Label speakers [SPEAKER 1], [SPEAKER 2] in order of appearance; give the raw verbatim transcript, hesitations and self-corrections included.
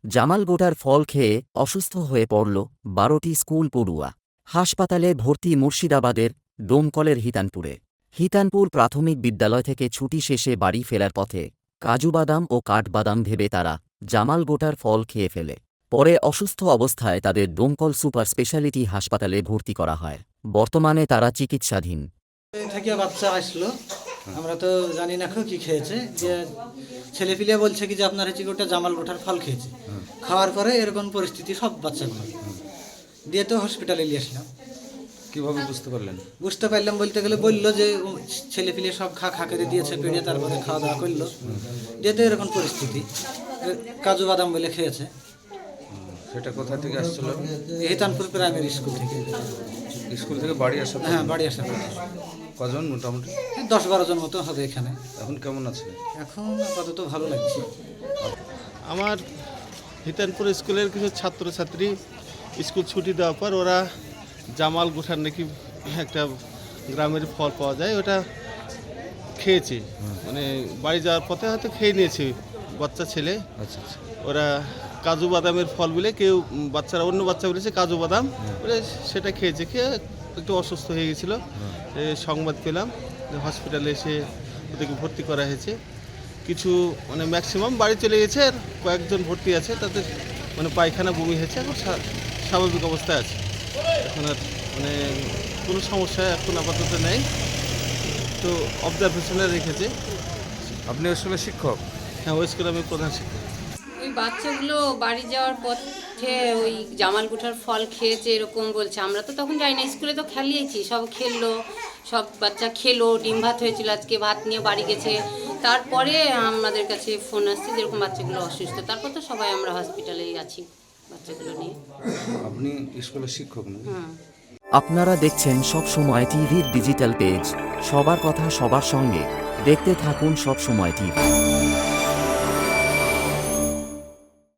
[SPEAKER 1] জামাল গোটার ফল খেয়ে অসুস্থ হয়ে পড়ল বারোটি স্কুল পড়ুয়া। হাসপাতালে ভর্তি মুর্শিদাবাদের ডোমকলের হিতানপুরে। হিতানপুর প্রাথমিক বিদ্যালয় থেকে ছুটি শেষে বাড়ি ফেরার পথে কাজুবাদাম ও কাঠবাদাম ভেবে তারা জামাল গোটার ফল খেয়ে ফেলে। পরে অসুস্থ অবস্থায় তাদের ডোমকল সুপার স্পেশালিটি হাসপাতালে ভর্তি করা হয়। বর্তমানে তারা চিকিৎসাধীন।
[SPEAKER 2] থেকে বাচ্চা আসলো, আমরা তো জানি না কি খেয়েছে, যে ছেলে পিলে বলছে কি যে আপনার হচ্ছে গোটা জামাল গোটার ফল খেয়েছে। খাওয়ার পরে এরকম পরিস্থিতি সব বাচ্চাগুলো দিয়ে তো হসপিটালে নিয়ে আসলাম।
[SPEAKER 3] কিভাবে বুঝতে পারলেন?
[SPEAKER 2] বুঝতে পারলাম বলতে গেলে বললো যে ছেলে পিলে সব খা খা করে দিয়েছে পেড়ে, তারপরে খাওয়া দাওয়া করলো, দিয়ে তো এরকম পরিস্থিতি। কাজু বাদাম বলে খেয়েছে।
[SPEAKER 3] সেটা কোথা থেকে আসছিল?
[SPEAKER 2] হিতানপুর প্রাইমারি স্কুল থেকে।
[SPEAKER 3] স্কুল থেকে বাড়ি আসা?
[SPEAKER 2] হ্যাঁ, বাড়ি আসা।
[SPEAKER 3] কজন মোটামুটি?
[SPEAKER 2] দশ বারো জন মতো হবে এখানে।
[SPEAKER 3] এখন কেমন আছে?
[SPEAKER 2] এখন আপাতত ভালো লাগছে।
[SPEAKER 4] আমার হিতানপুর স্কুলের কিছু ছাত্রছাত্রী স্কুল ছুটি দেওয়ার পর ওরা জামাল গোঠার নাকি একটা গ্রামের ফল পাওয়া যায়, ওটা খেয়েছে। মানে বাড়ি যাওয়ার পথে হয়তো খেয়ে নিয়েছে বাচ্চা ছেলে।
[SPEAKER 3] আচ্ছা আচ্ছা।
[SPEAKER 4] ওরা কাজু বাদামের ফল বলে, কেউ বাচ্চারা অন্য বাচ্চা বলেছে কাজু বাদাম বলে, সেটা খেয়েছে। খেয়ে একটু অসুস্থ হয়ে গেছিলো। সংবাদ পেলাম হসপিটালে এসে ওদেরকে ভর্তি করা হয়েছে। কিছু মানে ম্যাক্সিমাম বাড়ি চলে গেছে, আর কয়েকজন ভর্তি আছে, তাদের মানে পায়খানা বমি হয়েছে, এখন স্বাভাবিক অবস্থায় আছে। এখন আর মানে কোনো সমস্যা এখন আপাতত নেই, তো অবজারভেশনে রেখেছে।
[SPEAKER 3] আপনি স্কুলের শিক্ষক?
[SPEAKER 4] হ্যাঁ, ওই স্কুলে আমি প্রধান শিক্ষক।
[SPEAKER 5] ওই বাচ্চাগুলো বাড়ি যাওয়ার পথে ওই জামাল গোটার ফল খেয়েছে এরকম বলছে। আমরা তো তখন যাই না, স্কুলে তো খেলিয়েছি, সব খেললো, সব বাচ্চা খেলো, ডিম ভাত হয়েছিল আজকে, ভাত নিয়ে বাড়ি গেছে। তারপরে আমাদের কাছে ফোন আসছে যেরকম বাচ্চাগুলো অসুস্থ, তারপর তো সবাই আমরা হসপিটালেই আছি বাচ্চাগুলো নিয়ে।
[SPEAKER 3] আপনি স্কুলের শিক্ষক না?
[SPEAKER 5] হুম।
[SPEAKER 1] আপনারা দেখছেন সব সময় টিভির ডিজিটাল পেজ। সবার কথা সবার সঙ্গে, দেখতে থাকুন সব সময় টিভি।